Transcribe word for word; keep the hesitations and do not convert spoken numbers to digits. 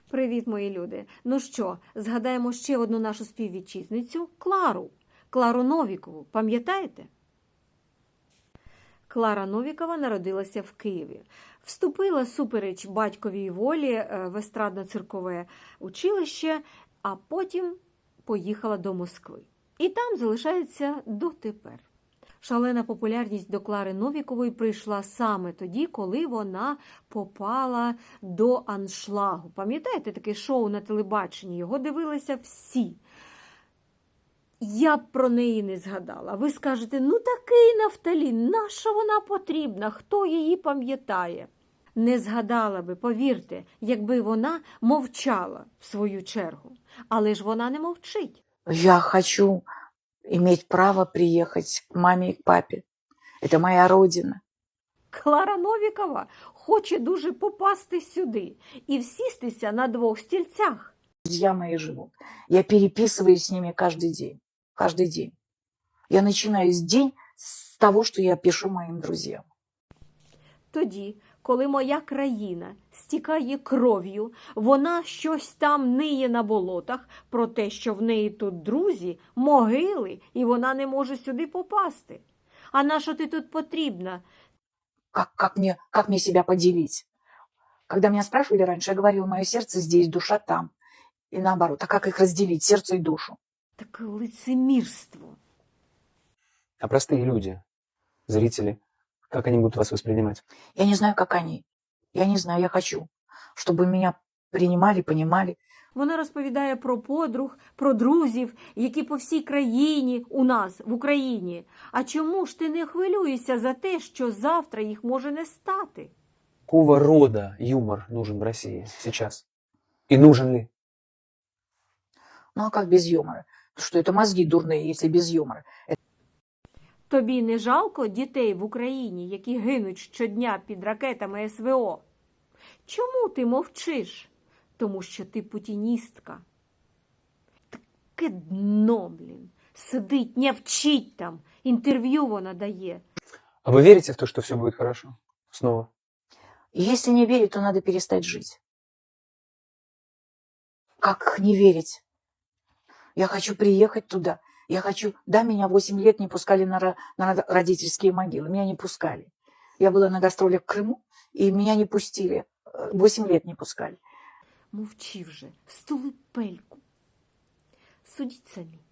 Привіт, мої люди! Ну що, згадаємо ще одну нашу співвітчизницю – Клару. Клару Новікову. Пам'ятаєте? Клара Новікова народилася в Києві. Вступила супереч батьковій волі в естрадно-циркове училище, а потім поїхала до Москви. І там залишається дотепер. Шалена популярність до Клари Новікової прийшла саме тоді, коли вона попала до аншлагу. Пам'ятаєте таке шоу на телебаченні? Його дивилися всі. Я б про неї не згадала. Ви скажете, ну такий нафталін, нащо вона потрібна, хто її пам'ятає? Не згадала би, повірте, якби вона мовчала в свою чергу. Але ж вона не мовчить. Я хочу иметь право приехать к маме и к папе. Это моя родина. Клара Новікова хоче дуже попасти сюди і всістися на двох стільцях. Друзья мои живут. Я переписываюсь с ними каждый день. Каждый день. Я начинаю день с того, что я пишу моим друзьям. Тоді, коли моя країна стікає кров'ю, вона щось там ниє на болотах про те, що в неї тут друзі, могили, і вона не може сюди попасти. А на що ти тут потрібна? Как, как, мне, как мне себя поделить? Когда меня спрашивали раньше, я говорила, мое сердце здесь, душа там. И наоборот, а как их разделить, сердце и душу? Таке лицемірство. А простые люди, зрители, как они будут вас воспринимать? Я не знаю, как они. Я не знаю, я хочу, чтобы меня принимали, понимали. Вона розповідає про подруг, про друзів, які по всій країні у нас, в Україні. А чому ж ти не хвилюєшся за те, що завтра їх може не стати? Какого рода юмор нужен в России сейчас? И нужен ли? Ну а как без юмора? Что это мозги дурные, если без юмора? Тобі не жалко дітей в Україні, які гинуть щодня під ракетами ес ве о? Чому ти мовчиш? Тому що ти путіністка. Таке дно, блін. Сидить, не вчить там. Інтерв'ю вона дає. А вы верите в то, что все будет хорошо? Снова? И если не верить, то надо перестать жить. Как не верить? Я хочу приехать туда. Я хочу... Да, меня восемь лет не пускали на, ро- на родительские могилы. Меня не пускали. Я была на гастролях в Крыму, и меня не пустили. Восемь лет не пускали. Мовчи вже, стули пельку. Судіть самі.